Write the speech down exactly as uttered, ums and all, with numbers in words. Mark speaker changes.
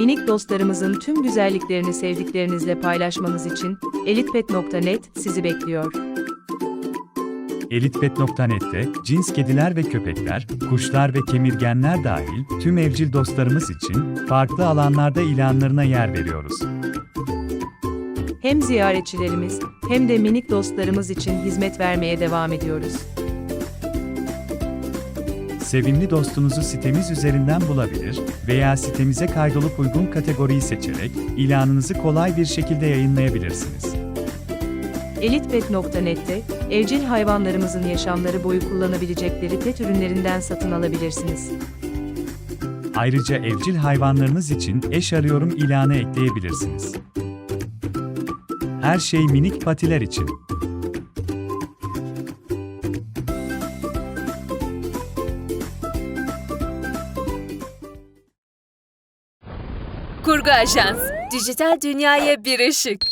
Speaker 1: Minik dostlarımızın tüm güzelliklerini sevdiklerinizle paylaşmanız için elitpet nokta net sizi bekliyor.
Speaker 2: elitpet nokta net'te cins kediler ve köpekler, kuşlar ve kemirgenler dahil tüm evcil dostlarımız için farklı alanlarda ilanlarına yer veriyoruz.
Speaker 1: Hem ziyaretçilerimiz hem de minik dostlarımız için hizmet vermeye devam ediyoruz.
Speaker 2: Sevimli dostunuzu sitemiz üzerinden bulabilir veya sitemize kaydolup uygun kategoriyi seçerek ilanınızı kolay bir şekilde yayınlayabilirsiniz.
Speaker 1: elitpet nokta net'te evcil hayvanlarımızın yaşamları boyu kullanabilecekleri pet ürünlerinden satın alabilirsiniz.
Speaker 2: Ayrıca evcil hayvanlarınız için eş arıyorum ilanı ekleyebilirsiniz. Her şey minik patiler için.
Speaker 3: Kurgu Ajans, dijital dünyaya bir ışık.